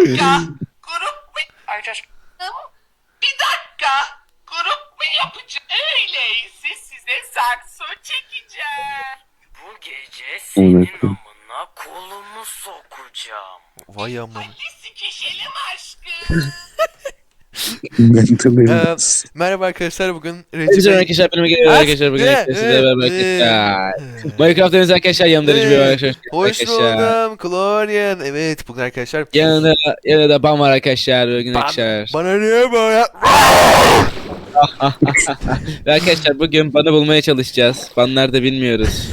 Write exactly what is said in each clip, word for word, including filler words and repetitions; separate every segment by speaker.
Speaker 1: dakika. Grup mu? Ay şaşkınım. Bir dakika. Grup mu yapacağım? Öyleyse size sakso çekeceğim. Bu gece senin amına kolumu sokacağım.
Speaker 2: Vay aman.
Speaker 1: Hadi sikişelim aşkım.
Speaker 2: Ee, merhaba arkadaşlar, bugün Recep
Speaker 3: Herkese
Speaker 2: Bey...
Speaker 3: arkadaşlar benim geliyor arkadaşlar bugün sizlerle beraber arkadaşlar. Minecraft oynuyoruz arkadaşlar, yanımda Recep Bey var arkadaşlar.
Speaker 2: Hoş buldum Kloryan. Evet, bugün arkadaşlar...
Speaker 3: Yanında, yanında da Bam var arkadaşlar bugün
Speaker 2: Ban-
Speaker 3: arkadaşlar.
Speaker 2: Bana niye böyle...
Speaker 3: Ve arkadaşlar bugün banı bulmaya çalışacağız. Ban nerede bilmiyoruz.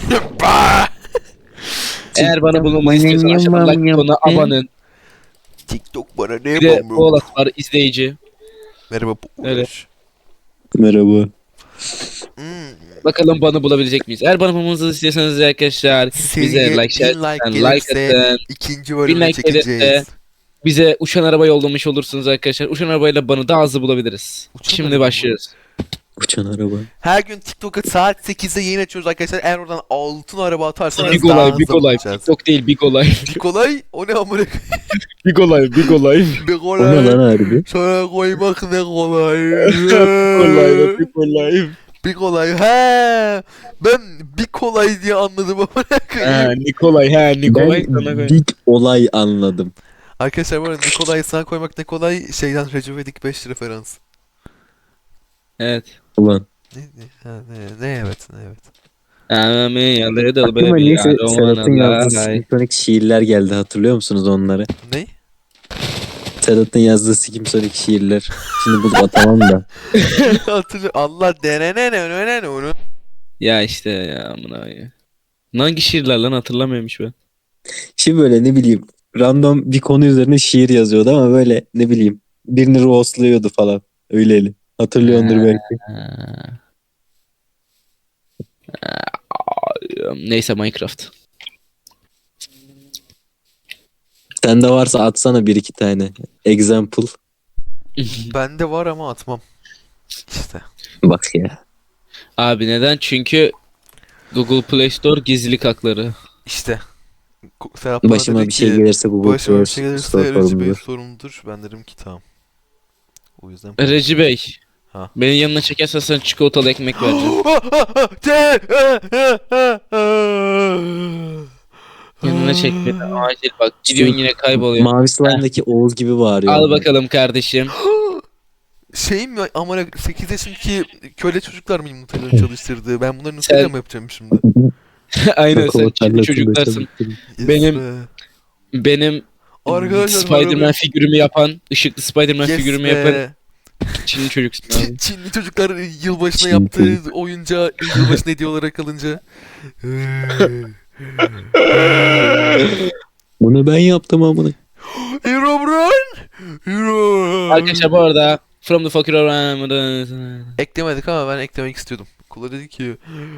Speaker 3: Eğer banı bulmamı istiyorsan aşağıdan like butonuna abone.
Speaker 2: TikTok bana ne
Speaker 3: Bir de
Speaker 2: yapamıyor?
Speaker 3: Polat var izleyici.
Speaker 2: Merhaba.
Speaker 3: Öyle.
Speaker 4: Merhaba.
Speaker 2: Hmm.
Speaker 3: Bakalım banı bulabilecek miyiz? Eğer banı bulmamızı istiyorsanız arkadaşlar bize
Speaker 2: Seriye
Speaker 3: like, share,
Speaker 2: bin like
Speaker 3: and
Speaker 2: gelirse
Speaker 3: like atın.
Speaker 2: ikinci
Speaker 3: Bin
Speaker 2: bölümü
Speaker 3: like gelirse
Speaker 2: çekeceğiz.
Speaker 3: bize uçan araba yollamış olursunuz arkadaşlar. Uçan arabayla banı daha hızlı bulabiliriz.
Speaker 2: Uçan
Speaker 3: Şimdi
Speaker 2: araba mı?
Speaker 3: başlıyoruz.
Speaker 4: Uçan araba.
Speaker 2: Her gün TikTok'a saat sekizde yayın açıyoruz arkadaşlar. Eğer oradan altın araba atarsanız
Speaker 3: Big
Speaker 2: daha
Speaker 3: olay,
Speaker 2: hızlı
Speaker 3: big olay.
Speaker 2: bulacağız.
Speaker 3: TikTok değil, big olay.
Speaker 2: Nikolay, o ne amına
Speaker 3: Big olay, big olay.
Speaker 2: Big
Speaker 4: O ne lan
Speaker 2: olay.
Speaker 4: harbi?
Speaker 2: Sana koymak ne kolay.
Speaker 3: Olay, big olay.
Speaker 2: Bir kolay. He. Ben bir kolay diye anladım ama
Speaker 3: Ha,
Speaker 2: koyayım.
Speaker 3: Nikolay, ha, Nikolay sana
Speaker 4: Ben
Speaker 3: koy.
Speaker 4: big olay anladım.
Speaker 2: Arkadaşlar bu arada Nikolay sana koymak ne kolay şeyden Recep İvedik beş referans.
Speaker 3: Evet.
Speaker 4: Ulan.
Speaker 2: Ne ne ha, ne ne evet ne evet.
Speaker 3: Ami yalı dıl
Speaker 4: Aklıma
Speaker 3: böyle
Speaker 4: neyse
Speaker 3: bir
Speaker 4: Sedat'ın yazdığı
Speaker 3: roman
Speaker 4: simfonik şiirler geldi, hatırlıyor musunuz onları?
Speaker 2: Ne?
Speaker 4: Sedat'ın yazdığı simfonik şiirler. Şimdi bulup atamam da.
Speaker 2: Hatırlıyor. Allah denene ne ne ne onu.
Speaker 3: Ya işte ya amına ya. Hangi şiirler lan hatırlamıyormuş ben.
Speaker 4: Şimdi böyle ne bileyim random bir konu üzerine şiir yazıyordu ama böyle ne bileyim birini roastluyordu falan. Öyleli. Hatırlıyordur belki.
Speaker 3: Ha. Neyse Minecraft.
Speaker 4: Sende varsa atsana bir iki tane. Example.
Speaker 2: Bende var ama atmam. İşte.
Speaker 4: Bak ya.
Speaker 3: Abi neden? Çünkü Google Play Store gizlilik hakları.
Speaker 2: İşte. Ko- Serap bana
Speaker 4: Başıma
Speaker 2: dedi
Speaker 4: bir şey
Speaker 2: ki,
Speaker 4: gelirse Google
Speaker 2: başıma bir
Speaker 4: Play
Speaker 2: şey gelirse
Speaker 4: Store
Speaker 2: Recep Bey
Speaker 4: sorumludur.
Speaker 2: sorumludur. Ben dedim ki tamam. O yüzden.
Speaker 3: Reci Bey.
Speaker 2: Ha.
Speaker 3: Benim yanına çekersen sana çikolatalı ekmek vereceğim. Yanına çek beni acil bak. Gidiyorsun yine kayboluyor.
Speaker 4: Mavi slime'daki Oğuz gibi bağırıyor.
Speaker 3: Al bakalım kardeşim.
Speaker 2: Şey mi amına sekiz yaşındaki köle çocuklar mı yumurtalarını çalıştırdı? Ben bunları nasıl
Speaker 3: Sen-
Speaker 2: mı yapacağım şimdi?
Speaker 3: Aynen sen
Speaker 4: Çikolatalı
Speaker 3: Çinli çocuklarsın.
Speaker 2: Yes
Speaker 3: Benim-
Speaker 2: be.
Speaker 3: Benim
Speaker 2: Arkadaşlar,
Speaker 3: Spider-Man
Speaker 2: harbi-
Speaker 3: figürümü yapan, ışıklı Spider-Man
Speaker 2: Yes
Speaker 3: figürümü
Speaker 2: be.
Speaker 3: yapan Çinli çocuksun abi.
Speaker 2: Çin, Çinli çocuklar yılbaşına
Speaker 4: Çin
Speaker 2: yaptığı oyuncağı yılbaşına hediye olarak alınca.
Speaker 4: Bunu ben yaptım amına.
Speaker 2: Hero Run! Hero!
Speaker 3: Arkadaşlar bu arada From the Fucker Around
Speaker 2: Eklemedik ama ben eklemek istiyordum. Kula dedi ki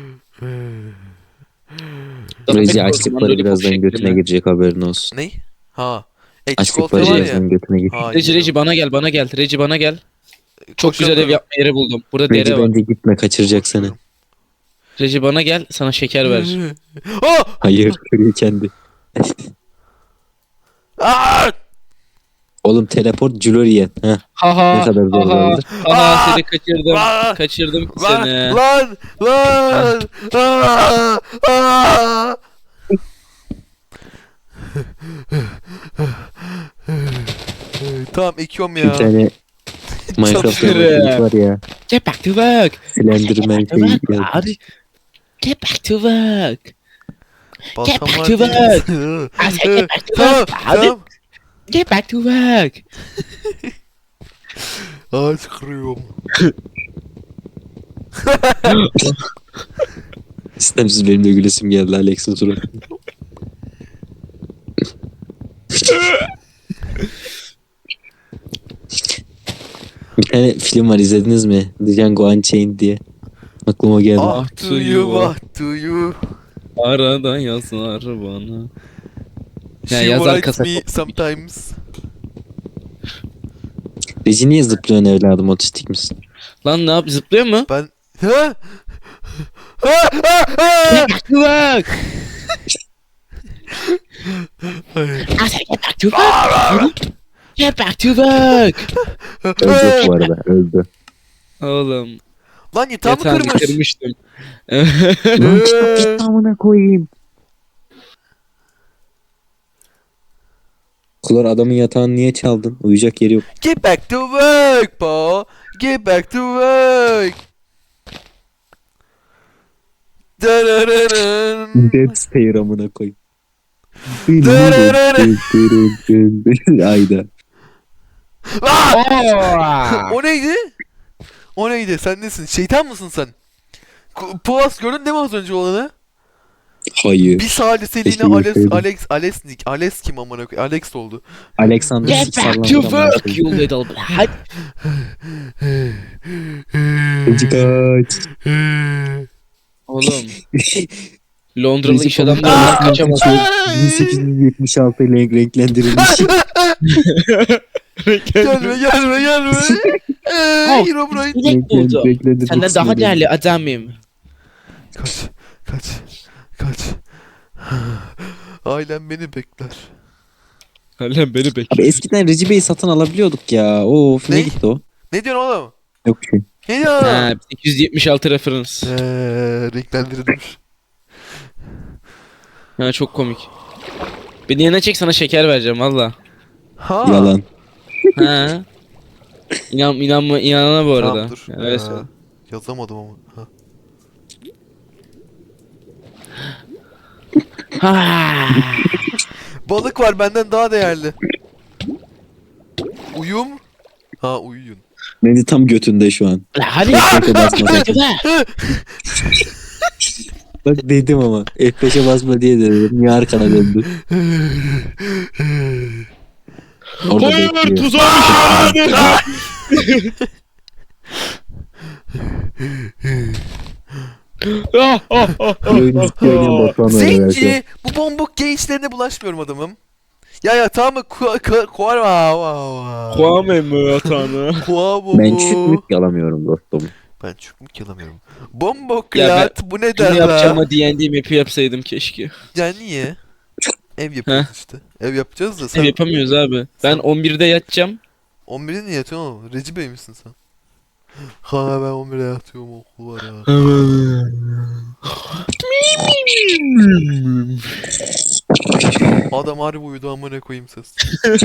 Speaker 4: Reci açlıkları birazdan götüne girecek, haberin olsun.
Speaker 2: ne? Ha. E çikolata
Speaker 4: Açlıkları
Speaker 2: var ya.
Speaker 4: birazdan götüne girecek.
Speaker 2: Ha,
Speaker 3: Reci Reci bana gel bana gel. Reci bana gel. Çok güzel ev
Speaker 2: koşamıyorum.
Speaker 3: yapma yeri buldum. Burada
Speaker 4: Reci
Speaker 3: dere var.
Speaker 4: bence gitme, kaçıracak seni.
Speaker 3: Reci bana gel sana şeker vereceğim.
Speaker 2: Ah!
Speaker 4: Hayır, kırıyor kendi.
Speaker 2: Ah!
Speaker 4: Oğlum teleport Julorian. Heh,
Speaker 3: Haha.
Speaker 4: ne kadar zor
Speaker 3: Haha.
Speaker 4: olabilir.
Speaker 3: Haha seni kaçırdım.
Speaker 2: Ah!
Speaker 3: Kaçırdım
Speaker 2: Lan!
Speaker 3: seni.
Speaker 2: Lan! Lan! Ah! Ah! Tamam ekiyorum
Speaker 4: Bir
Speaker 2: ya.
Speaker 4: tane Minecraft
Speaker 3: Çalışırım.
Speaker 4: yapmak var ya.
Speaker 3: Get back to work.
Speaker 4: Slenderman
Speaker 3: Get back to
Speaker 4: şeyi
Speaker 3: work.
Speaker 4: yazmış.
Speaker 3: Hadi. Get back to work.
Speaker 2: Baltam
Speaker 3: back
Speaker 2: var
Speaker 3: to
Speaker 2: değil.
Speaker 3: I said get back to
Speaker 2: Tamam
Speaker 3: work. Hadi.
Speaker 2: tamam.
Speaker 3: Get back to work.
Speaker 2: Ağaç kırıyorum.
Speaker 4: İstemsiz benim de gülesim geldi Alex'in suratı. Bir tane film var, izlediniz mi? The Django Unchained diye. Aklıma geldi.
Speaker 2: Ah to you, ah to you.
Speaker 3: Arada yazar bana. Ya
Speaker 2: She
Speaker 3: yazar
Speaker 2: writes
Speaker 3: kasa.
Speaker 2: me sometimes.
Speaker 4: Reci niye zıplıyorsun evladım, otistik misin?
Speaker 3: Lan ne yap zıplıyor mu?
Speaker 2: Ben... Ha? Ha? Ha? Ha?
Speaker 3: Get back to work.
Speaker 2: Hayır.
Speaker 3: I said get back to work. Get back to work.
Speaker 4: Öldü bu arada öldü.
Speaker 3: Oğlum.
Speaker 2: Lan yatağımı
Speaker 3: Yatağını
Speaker 2: kırmış.
Speaker 3: kırmıştım.
Speaker 4: Lan çıkart git amına koyayım. Klor adamın yatağını niye çaldın? Uyuyacak yeri yok.
Speaker 2: Get back to work, Paul. Get back to work. Darararın.
Speaker 4: Dead stare amına koy.
Speaker 2: Darararın.
Speaker 4: Ayda.
Speaker 2: Aa! O neydi? O neydi? Sen nesin? Şeytan mısın sen? Ku- Puas gördün değil mi az önce olanı?
Speaker 4: Hayır.
Speaker 2: Bir saliseliğine
Speaker 4: Keşke
Speaker 2: Alex,
Speaker 4: görseydim.
Speaker 2: Alex, Alex, Nick, Alex kim amına koyayım? Alex oldu.
Speaker 4: Alexander
Speaker 3: Get back
Speaker 4: sallandı
Speaker 3: to
Speaker 4: amına
Speaker 3: work
Speaker 4: koyayım.
Speaker 3: you little brat.
Speaker 4: Kaç kaç.
Speaker 3: Oğlum. Londralı
Speaker 4: Recep
Speaker 3: iş
Speaker 4: Tayyip
Speaker 3: adamlarından
Speaker 4: Erdoğan
Speaker 3: kaçamaz.
Speaker 4: bin sekiz yüz yetmiş altı ile renklendirilmiş.
Speaker 2: Gelme gelme gelme. Eee Herobrine.
Speaker 3: Direkt buldu.
Speaker 4: Renklendirilmiş
Speaker 3: Senden daha
Speaker 4: sinirleri.
Speaker 3: değerli adamım.
Speaker 2: Kaç, kaç, kaç. Ailem beni bekler.
Speaker 3: Lan beni
Speaker 4: Abi
Speaker 3: bekle.
Speaker 4: eskiden Recep Bey'i satın alabiliyorduk ya. Of ne
Speaker 2: Ne?
Speaker 4: gitti o?
Speaker 2: Ne diyorsun oğlum?
Speaker 4: Yok bir şey.
Speaker 2: Ne diyorsun?
Speaker 3: Ha, sekiz yüz yetmiş altı referans.
Speaker 2: Eee renklendirilmiş.
Speaker 3: Ha, çok komik. Beni yanına çek, sana şeker vereceğim valla.
Speaker 2: Ha.
Speaker 4: Yalan.
Speaker 3: Ha. İnan, inanma, inanana bu arada.
Speaker 2: Tamam dur.
Speaker 3: Yani öyle
Speaker 2: Ee,
Speaker 3: söyle.
Speaker 2: yazamadım ama. Ha.
Speaker 3: Ha.
Speaker 2: Balık var benden daha değerli. Uyum. Ha uyuyun.
Speaker 4: Beni tam götünde şu an.
Speaker 3: La hadi.
Speaker 4: F beşe basma
Speaker 3: Hadi
Speaker 4: sakın.
Speaker 3: be.
Speaker 4: Bak dedim ama F beşe basma diye dedim. Niye arkana döndü? Orada
Speaker 3: Hayır,
Speaker 4: bekliyor.
Speaker 3: tuzağmış yani. Ah, ah, ah, ah,
Speaker 4: Oyun istiyor oynayan
Speaker 3: ah.
Speaker 4: Batuhan var herhalde.
Speaker 2: Zenci! Bu bombuk gay işlerine bulaşmıyorum adamım. Ya ya tamam mı? Ku ku kuar va va va.
Speaker 3: Kwame mi hatanı?
Speaker 2: Kua bu
Speaker 4: Ben
Speaker 2: bu.
Speaker 4: çürük yalamıyorum dostum.
Speaker 2: Ben çükmük yalamıyorum. Bombok
Speaker 3: Ya ben
Speaker 2: lat bu ne
Speaker 3: Bunu
Speaker 2: der
Speaker 3: yapacağım
Speaker 2: la?
Speaker 3: da D and D map'i yapsaydım keşke.
Speaker 2: Ya niye? Ev yapacağız işte. Ev yapacağız da
Speaker 3: Ev
Speaker 2: sen
Speaker 3: yapamıyoruz abi. Ben on birde yatacağım.
Speaker 2: on birde niye yatıyorsun oğlum? Recep Bey misin sen? Ha ben on birde yatıyorum okul var ya. Adam harbi uyudu amına koyayım ses.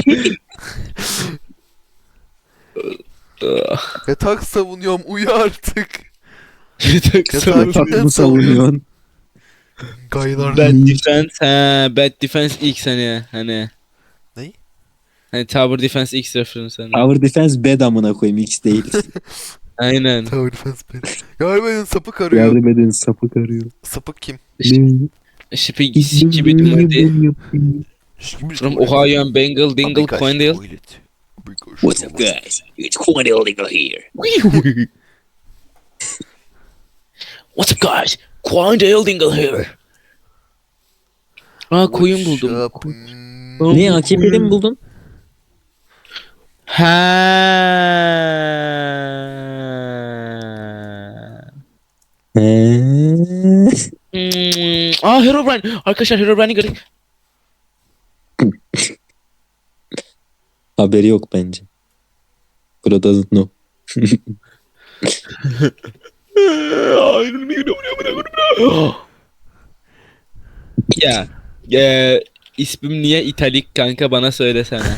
Speaker 2: Yatak savunuyorum uyu artık.
Speaker 3: Yatak
Speaker 4: Yatak mı savunuyorsun?
Speaker 2: Gaylar.
Speaker 3: Bad Defense, ha, Bad Defense X hani hani.
Speaker 2: Ney?
Speaker 3: Hani Tower Defense X reference hani.
Speaker 4: Tower Defense bed amına koyayım X değil.
Speaker 3: Aynen.
Speaker 2: Tower defense beni. Ya benim sapık arıyor.
Speaker 4: Yardım edin sapık arıyor.
Speaker 2: Sapık kim?
Speaker 3: Şipi sik gibi dumurdi. From Ohio and Bengal, Dingle, Coindale.
Speaker 4: What's up guys? It's Quandale Dingle here.
Speaker 3: What's up guys? Coindale Dingle here. Aa koyun buldum.
Speaker 4: Ne A K P'de mi buldun?
Speaker 3: Ha.
Speaker 4: Eee.
Speaker 3: Hmm. Aa Herobrine. Arkadaşlar Herobrine'i gördük.
Speaker 4: Haberi yok bence. Bro doesn't know.
Speaker 3: Ya. E, ismim niye italik kanka bana söylesene.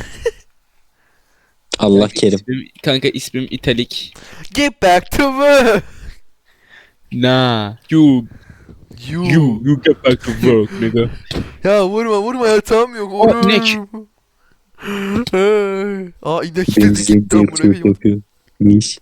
Speaker 4: Allah
Speaker 3: Kanka,
Speaker 4: kerim.
Speaker 3: ismim, kanka ismim italik.
Speaker 2: Get back to work.
Speaker 3: Nah. You.
Speaker 2: You.
Speaker 3: You. You get back to work nigga.
Speaker 2: Ya vurma vurma yatağım yok.
Speaker 3: Oh,
Speaker 2: Vurur.
Speaker 3: inek.
Speaker 2: Hey. Aa inek dedi
Speaker 4: Benzi
Speaker 2: gitti amına
Speaker 4: yapıyor
Speaker 2: koyayım.
Speaker 4: yapıyor. Miş.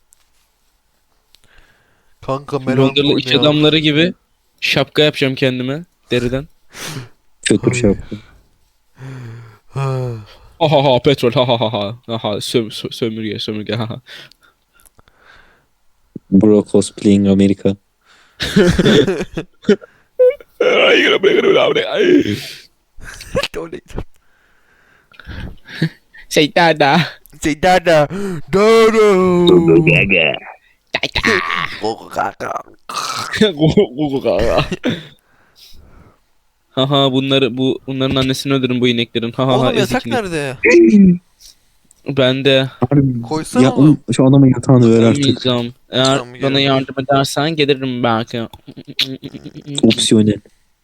Speaker 2: Kanka
Speaker 3: Londralı
Speaker 2: melankoly
Speaker 3: iş
Speaker 2: ya.
Speaker 3: adamları gibi şapka yapacağım kendime deriden.
Speaker 4: Kötü
Speaker 2: Ay.
Speaker 4: şey yaptı.
Speaker 2: Ha.
Speaker 3: Ha ha ha petrol ha ha ha ha ha ha söm, sö- sömürge sömürge ha ha.
Speaker 4: Bro cosplaying Amerika.
Speaker 2: Öyleydi.
Speaker 3: Şey dada.
Speaker 2: Şey dada. Dada.
Speaker 4: Gaga.
Speaker 2: Gogo kaka.
Speaker 3: Haha bunları bu bunların annesini öldürün bu ineklerin. Ha ha ha
Speaker 2: Oğlum yatak
Speaker 3: ezik inek.
Speaker 2: nerede?
Speaker 3: Ben de
Speaker 4: Harbi.
Speaker 2: Koysana
Speaker 4: Ya
Speaker 2: oğlum.
Speaker 4: oğlum şu adamın yatağını ver artık.
Speaker 3: olmayacağım. Eğer
Speaker 2: Tamam,
Speaker 3: bana
Speaker 2: gelirim.
Speaker 3: yardım edersen gelirim belki.
Speaker 4: Opsiyonel.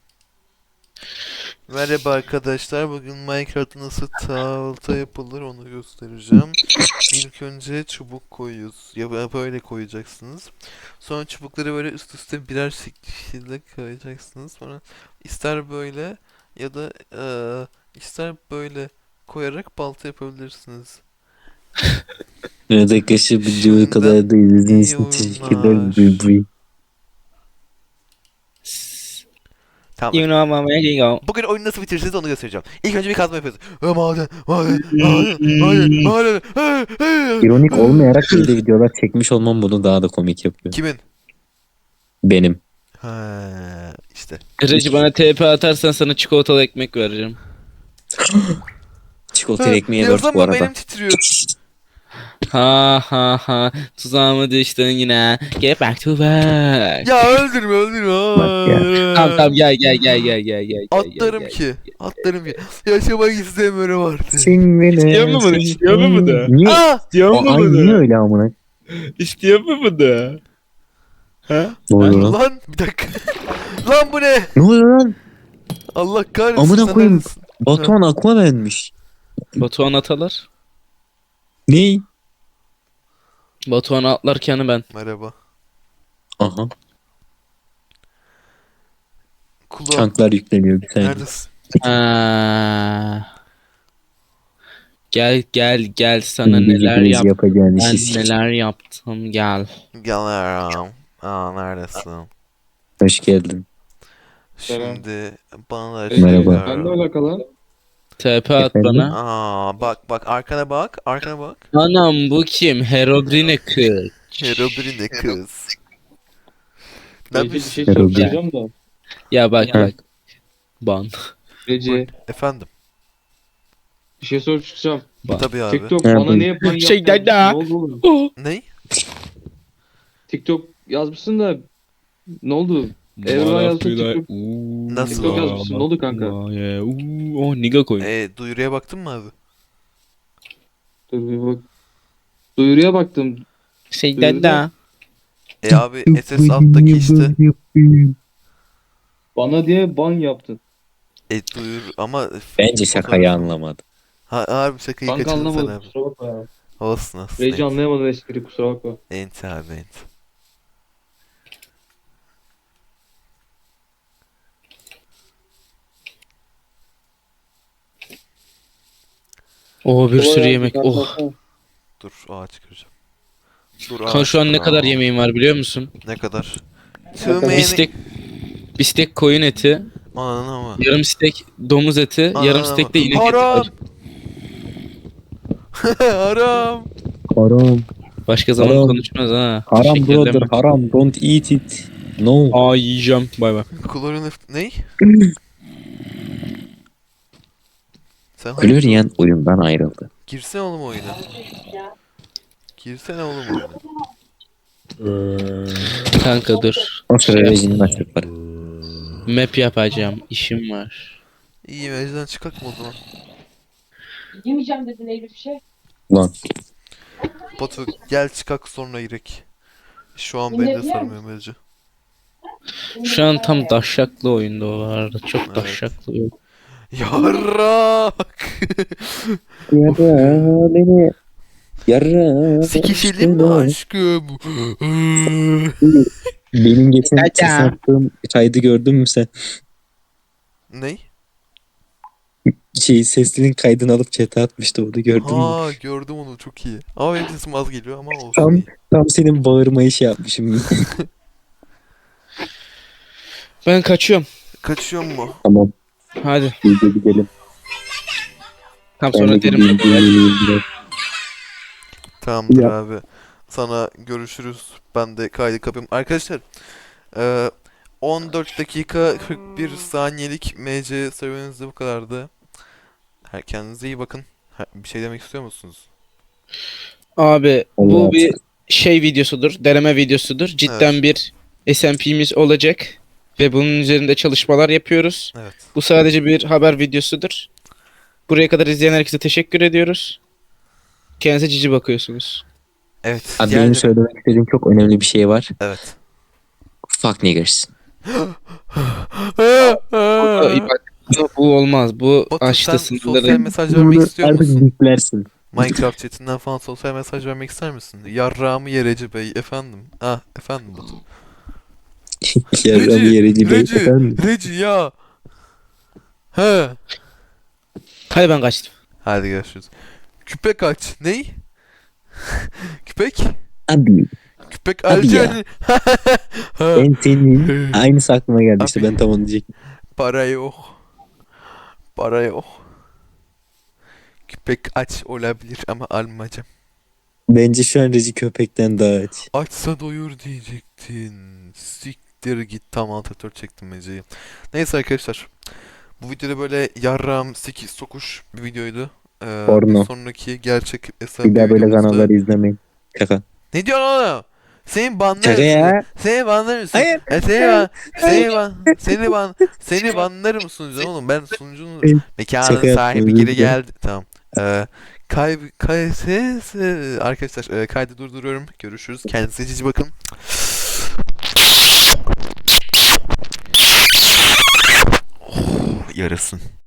Speaker 2: Merhaba arkadaşlar. Bugün Minecraft'ta nasıl tahta yapılır onu göstereceğim. İlk önce çubuk koyuyoruz. Ya böyle koyacaksınız. Sonra çubukları böyle üst üste birer şekilde koyacaksınız. Sonra ister böyle ya da eee, ister böyle koyarak balta yapabilirsiniz.
Speaker 4: Evet arkadaşlar videoyu
Speaker 2: Şimdiden
Speaker 4: kadar da izlediğiniz
Speaker 2: iyi
Speaker 4: için teşekkürler.
Speaker 2: oyunlar.
Speaker 4: Bye bye.
Speaker 2: Tamam.
Speaker 3: You know my way you go.
Speaker 2: Bugün oyunu nasıl bitirirsiniz onu göstereceğim. İlk önce bir kazma yapıyoruz. Ha, maden, maden, maden, maden, maden. Ha, ha.
Speaker 4: İronik olmayarak böyle videolar çekmiş olmam bunu daha da komik yapıyor.
Speaker 2: Kimin?
Speaker 4: Benim.
Speaker 2: Ha, işte.
Speaker 3: Recep bana T P atarsan sana çikolatalı ekmek vereceğim.
Speaker 4: Çikolata ekmeğe dört bu
Speaker 2: Yazamam,
Speaker 4: arada.
Speaker 2: elim titriyor.
Speaker 3: Ha ha ha. Tuzağıma düştün yine. Get back to work.
Speaker 2: Ya öldürme öldürme.
Speaker 4: Bak ya.
Speaker 3: Tamam tamam gel gel gel gel gel gel.
Speaker 2: Atlarım
Speaker 3: gel,
Speaker 2: ki. Atlarım ki. Yaşamak istemiyorum artık.
Speaker 3: İstiyor mu bunu? İstiyor mu bunu?
Speaker 4: Niye?
Speaker 2: Aa!
Speaker 3: İstiyor
Speaker 4: O, ay niye öyle amına?
Speaker 3: İstiyor mu bunu? Ha?
Speaker 4: Ne oluyor lan?
Speaker 2: Lan bir dakika. Lan bu ne?
Speaker 4: Ne oluyor lan?
Speaker 2: Allah kahretsin.
Speaker 4: Amına
Speaker 2: sen
Speaker 4: koyayım.
Speaker 2: neredesin?
Speaker 4: Batuhan Aquaman'miş.
Speaker 3: Batuhan atalar.
Speaker 4: Ne?
Speaker 3: Batuhan atlarken ben.
Speaker 2: Merhaba.
Speaker 4: Aha.
Speaker 2: Kulağım.
Speaker 4: Çanklar yükleniyor bir saniye.
Speaker 2: Neredesin?
Speaker 3: Ha. Gel gel gel sana
Speaker 4: Şimdi
Speaker 3: neler
Speaker 4: hepiniz
Speaker 3: yap.
Speaker 4: yapacağın
Speaker 3: Ben
Speaker 4: işi.
Speaker 3: neler yaptım gel.
Speaker 2: Geliyorum. Aa neredesin?
Speaker 4: Hoş geldin.
Speaker 2: Şimdi bana da
Speaker 4: Merhaba.
Speaker 2: şey
Speaker 5: Ben de
Speaker 2: ver.
Speaker 5: alakalı.
Speaker 3: T P at
Speaker 4: Efendim?
Speaker 3: bana.
Speaker 2: Aa bak bak arkana bak. Arkana bak.
Speaker 3: Anam bu kim? Herobrine kız.
Speaker 2: Herobrine kız. Ne
Speaker 5: Recep bir
Speaker 2: yapıyorsun?
Speaker 5: şey
Speaker 4: Herhalde.
Speaker 5: soracağım da.
Speaker 3: Ya bak
Speaker 4: Ha.
Speaker 3: bak. Ban.
Speaker 5: Recep
Speaker 2: Efendim.
Speaker 5: bir şey sorup çıkacağım.
Speaker 3: Ban.
Speaker 2: Tabii abi.
Speaker 5: TikTok
Speaker 4: Ha,
Speaker 5: bana
Speaker 4: buyur.
Speaker 5: ne yapan
Speaker 3: Şey
Speaker 5: yaptın?
Speaker 3: dede.
Speaker 5: Ne oldu oğlum?
Speaker 3: Oh.
Speaker 2: Ney?
Speaker 5: TikTok yazmışsın da ne oldu? Evren yazdı TikTok.
Speaker 2: Nasıl?
Speaker 5: TikTok yazmışsın. Ne oldu kanka?
Speaker 3: Oh niga koy.
Speaker 2: Ee, duyuruya baktın mı abi?
Speaker 5: Dur bir bak. Duyuruya baktım.
Speaker 3: Şey
Speaker 5: Duyurdu.
Speaker 3: dede.
Speaker 2: E abi S S alttaki işte.
Speaker 5: Bana diye ban yaptın.
Speaker 2: E duyur ama
Speaker 4: Bence şakayı
Speaker 2: fotoğraf-
Speaker 4: anlamadı.
Speaker 2: Ha abi şakayı
Speaker 5: Kanka
Speaker 2: kaçırdın sen
Speaker 5: anlamadım.
Speaker 2: abi.
Speaker 5: Kusura bakma ya.
Speaker 2: Olsun olsun.
Speaker 5: Recep
Speaker 2: Ent.
Speaker 5: anlayamadım espri, kusura bakma.
Speaker 2: Ent abi ent.
Speaker 3: Oh bir sürü
Speaker 5: Kolay
Speaker 3: yemek.
Speaker 5: gelsin,
Speaker 3: Oh.
Speaker 5: kalsana.
Speaker 2: Dur ağa çıkaracağım. Dur
Speaker 3: Kanka
Speaker 2: ağa
Speaker 3: şu an ne
Speaker 2: çıkar,
Speaker 3: kadar
Speaker 2: ağa.
Speaker 3: yemeğim var biliyor musun?
Speaker 2: Ne kadar?
Speaker 5: kadar?
Speaker 2: Tüm
Speaker 3: Bir stek bir stek koyun eti,
Speaker 2: Ananı ama.
Speaker 3: yarım stek domuz eti, yarım
Speaker 2: Ananı
Speaker 3: stek de
Speaker 2: ama.
Speaker 3: inek eti
Speaker 2: Haram.
Speaker 3: var.
Speaker 2: Haram.
Speaker 4: Haram.
Speaker 3: Başka zaman
Speaker 4: Haram.
Speaker 3: konuşmaz ha.
Speaker 4: Haram
Speaker 3: Şekerleme.
Speaker 4: brother. Haram. Don't eat it. No.
Speaker 3: Aa yiyeceğim. Bay bay.
Speaker 2: Klorin ef- ney? Sen
Speaker 4: Glorian oyundan ayrıldı.
Speaker 2: girsene oğlum oyuna. Girsene oğlum oyuna.
Speaker 3: Kanka dur.
Speaker 4: O sırada
Speaker 3: Şey yap-
Speaker 4: rejinin açtıkları.
Speaker 3: Map yapacağım. İşim var.
Speaker 2: İyi meclisten çıkak mı o zaman?
Speaker 6: Yemeyeceğim dedin Eylül bir şey.
Speaker 4: Lan.
Speaker 2: Batu gel çıkak sonra girek. Şu an
Speaker 6: Yine
Speaker 2: beni de
Speaker 6: biliyor
Speaker 2: sarmıyor mevzu.
Speaker 3: Şu an tam daşşaklı oyunda o arada. Çok
Speaker 2: Evet.
Speaker 3: daşşaklı oyun.
Speaker 2: Yarrak.
Speaker 4: Yarra beni. Yarra.
Speaker 2: Sikişelim mi aşkım?
Speaker 4: Benim geçen
Speaker 3: Dada.
Speaker 4: ses attığım kaydı gördün mü sen?
Speaker 2: Ney?
Speaker 4: Şey seslinin kaydını alıp chat'e atmıştı onu gördün mü?
Speaker 2: Ha gördüm onu çok iyi. Ama benim sesim az geliyor ama olsun.
Speaker 4: Tam
Speaker 2: iyi.
Speaker 4: tam senin bağırmayı şey yapmışım.
Speaker 3: Ben kaçıyorum.
Speaker 2: Kaçıyor mu?
Speaker 4: Tamam.
Speaker 3: Hadi.
Speaker 4: Biz de gidelim.
Speaker 3: Tam
Speaker 4: Ben de
Speaker 3: sonra derim.
Speaker 4: gideyim, dinleneyim biraz.
Speaker 2: Tamamdır
Speaker 4: Ya.
Speaker 2: abi. Sana görüşürüz. Ben de kaydı kapayım. Arkadaşlar eee, on dört dakika kırk bir saniyelik M C serüveniniz de bu kadardı. Her kendinize iyi bakın. Ha, bir şey demek istiyor musunuz?
Speaker 3: Abi
Speaker 4: Allah
Speaker 3: bu bir şey videosudur. Deneme videosudur. Cidden bir S M P'miz olacak. Ve bunun üzerinde çalışmalar yapıyoruz.
Speaker 2: Evet.
Speaker 3: Bu sadece bir haber videosudur. Buraya kadar izleyen herkese teşekkür ediyoruz. Kendinize cici bakıyorsunuz.
Speaker 2: Evet.
Speaker 4: Abi benim
Speaker 2: diğerleri-
Speaker 4: söylemek istediğim çok önemli bir şey var.
Speaker 2: Evet.
Speaker 4: Fuck niggers.
Speaker 3: Ay, bak, bu, bu olmaz. Bu
Speaker 2: Batu
Speaker 3: aştı
Speaker 2: sen
Speaker 3: sınırları.
Speaker 2: sosyal mesaj vermek
Speaker 4: Bunu
Speaker 2: istiyor
Speaker 4: artık
Speaker 2: musun?
Speaker 4: biplersin.
Speaker 2: Minecraft chatinden falan sosyal mesaj vermek ister misin? Yarrağımı yereci bey efendim. Ah efendim Batu.
Speaker 4: Yarram yerici bey
Speaker 2: Reci,
Speaker 4: efendim.
Speaker 2: Reci ya. He.
Speaker 3: Hadi ben kaçtım.
Speaker 2: Hadi görüşürüz. Küpek aç. Ney? Küpek?
Speaker 4: Abi
Speaker 2: Küpek
Speaker 4: Abi
Speaker 2: alacak.
Speaker 4: ya. ben senin aynısı aklıma geldi işte
Speaker 2: Abi.
Speaker 4: ben tam onu diyecektim.
Speaker 2: Para yok. Para yok. Küpek aç olabilir ama almayacağım.
Speaker 4: Bence şu an Reci köpekten daha aç.
Speaker 2: Açsa doyur diyecektin. Siktir git, tam alt F dört çektim Mece'yi. Neyse arkadaşlar. Bu videoda böyle yarram sekiz sokuş bir videoydu. Ee,
Speaker 4: Porno.
Speaker 2: bir sonraki gerçek
Speaker 4: Bir
Speaker 2: S M P
Speaker 4: daha böyle
Speaker 2: videomuzda...
Speaker 4: kanalları izlemeyin. Şaka.
Speaker 2: Ne diyorsun oğlum? Senin banlar
Speaker 4: Şaka ya.
Speaker 2: Seni banlar mısın?
Speaker 4: Hayır.
Speaker 2: E, seni ban, seni ban, seni ban, seni banlarım sunucu oğlum. Ben sunucunun
Speaker 4: Hayır.
Speaker 2: mekanın
Speaker 4: Şaka yaptım,
Speaker 2: sahibi
Speaker 4: özür
Speaker 2: geri
Speaker 4: dilerim.
Speaker 2: geldi. Tamam. Ee, kay, kay, ses, e, arkadaşlar e, kaydı durduruyorum. Görüşürüz. Kendinize cici bakın. Oh, yarasın.